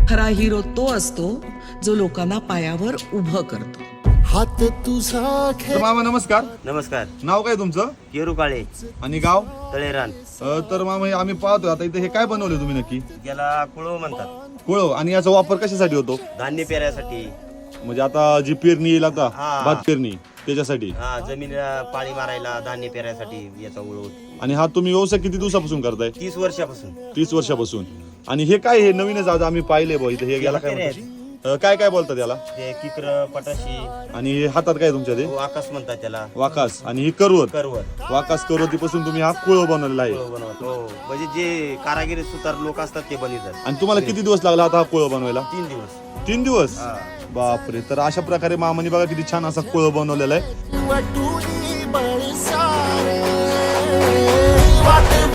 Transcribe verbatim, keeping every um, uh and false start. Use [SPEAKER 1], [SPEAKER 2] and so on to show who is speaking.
[SPEAKER 1] खरा हिरो तो असतो जो लोकांना पायावर उभं करतो.
[SPEAKER 2] हात तुझा
[SPEAKER 3] तर मामा नमस्कार.
[SPEAKER 4] नमस्कार.
[SPEAKER 3] नाव काय तुमचं?
[SPEAKER 4] केरू काळे,
[SPEAKER 3] आणि गाव?
[SPEAKER 4] तळेरान.
[SPEAKER 3] अ, तर मामा आम्ही पाहतोय आता इथे हे काय बनवले तुम्ही नक्की?
[SPEAKER 4] याला कुळव म्हणतात.
[SPEAKER 3] कोळव. आणि याचा वापर कशासाठी होतो?
[SPEAKER 4] धान्य पेरायसाठी.
[SPEAKER 3] म्हणजे आता जी पेरणी येईल आता
[SPEAKER 4] हा.
[SPEAKER 3] भात पेरणी त्याच्यासाठी.
[SPEAKER 4] हा, जमिनीला पाणी मारायला धान्य पेरायसाठी याचा उळव.
[SPEAKER 3] आणि हा तुम्ही व्यवसाय किती दिवसापासून करताय?
[SPEAKER 4] तीस वर्षापासून.
[SPEAKER 3] तीस वर्षापासून. आणि हे काय हे नवीनच आज आम्ही पाहिले बघ इथे हे याला काय
[SPEAKER 4] पेरे
[SPEAKER 3] म्हणतात? अ, काय काय बोलतात याला?
[SPEAKER 4] ते किकर, पटाशी,
[SPEAKER 3] आणि हे हातात काय तुमच्या ते?
[SPEAKER 4] आकाश म्हणतात त्याला.
[SPEAKER 3] वाकास. आणि ही करवत.
[SPEAKER 4] करवत.
[SPEAKER 3] वाकास करवतीपासून तुम्ही हा कुळव बनवलेला आहे.
[SPEAKER 4] कुळव बनवत. हो, म्हणजे जे कारागिरी सुतार लोक असतात ते बनवतात.
[SPEAKER 3] आणि तुम्हाला किती दिवस लागला आता हा कुळव बनवायला?
[SPEAKER 4] तीन दिवस.
[SPEAKER 3] तीन दिवस.
[SPEAKER 4] हा.
[SPEAKER 3] बापरे. तर अशा प्रकारे मामाने बघा किती छान असा कुळव बनवलेला आहे.
[SPEAKER 2] वाटुनी बळसारे वाट